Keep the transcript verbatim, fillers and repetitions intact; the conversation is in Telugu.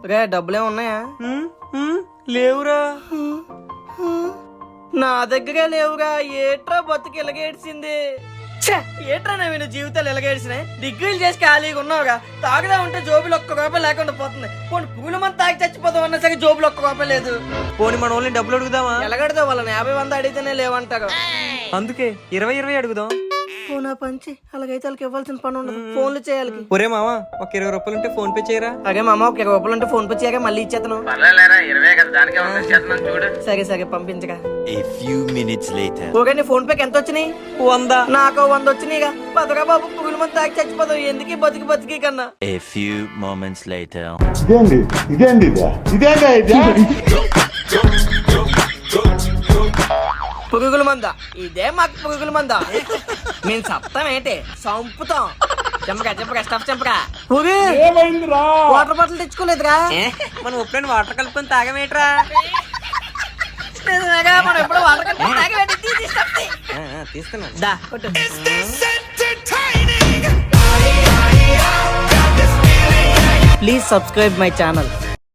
రే డబ్బులే ఉన్నాయా? లేవురా. నా దగ్గరే లేవుగా. ఏట్రా బతుకు ఇలాగేడ్చింది. ఏట్రా నేను జీవితాలు ఇలాగేడ్చినాయి. డిగ్రీలు చేసి ఖాళీగా ఉన్నావుగా. తాగుదా ఉంటే జోబులు ఒక్క రూపాయి లేకుండా పోతుంది. పోనీ పూల మంది తాగి చచ్చిపోతాం అన్నా సరే జోబులు ఒక్క రూపాయి లేదు. పోనీ మన ఓన్లీ డబ్బులు అడుగుదామా? ఎలాగడతావు? వాళ్ళని యాభై వంద అడిగితేనే లేవంటారు. అందుకే ఇరవై ఇరవై అడుగుదాం. పోనా పంచి అలాగైతే వాళ్ళకి ఇవ్వాల్సిన పని ఉండదు. ఫోన్లు చేయాలి. ఒరే మామా ఒక ఇరవై రూపాయలు ఉంటే ఫోన్ పే చేయరా. అదే మామ ఒక ఇరవై రూపాయలు ఉంటే ఫోన్ పే చేయగా మళ్ళీ ఇచ్చేతను. సరే సరే పంపించగా. ఫోన్ పేకి ఎంత వచ్చినాయి? వంద. నాకు వంద వచ్చినాయిగా. పదరా బాబు పురుగుల మంది తాగి చచ్చిపోతావు. ఎందుకు బతికి బతికి కన్నా. A few moments later. ఇదేంది ఇదేంది ఇదేందా ఇది? పురుగుల మంద ఇదే మాకు పురుగుల మంద. మేము సప్తాం ఏంటి సంపుతాం. చెంపగా చెంపగా స్టఫ్ చెంపగా. వాటర్ బాటిల్ తెచ్చుకోలేదురా? మనం ఎప్పుడైనా వాటర్ కలుపుకొని తాగమేట్రా? మనం ఎప్పుడు వాటర్ కలుపుకొని తాగమేంటి? తీస్తున్నాను. దా కొట్టు. Please subscribe my channel.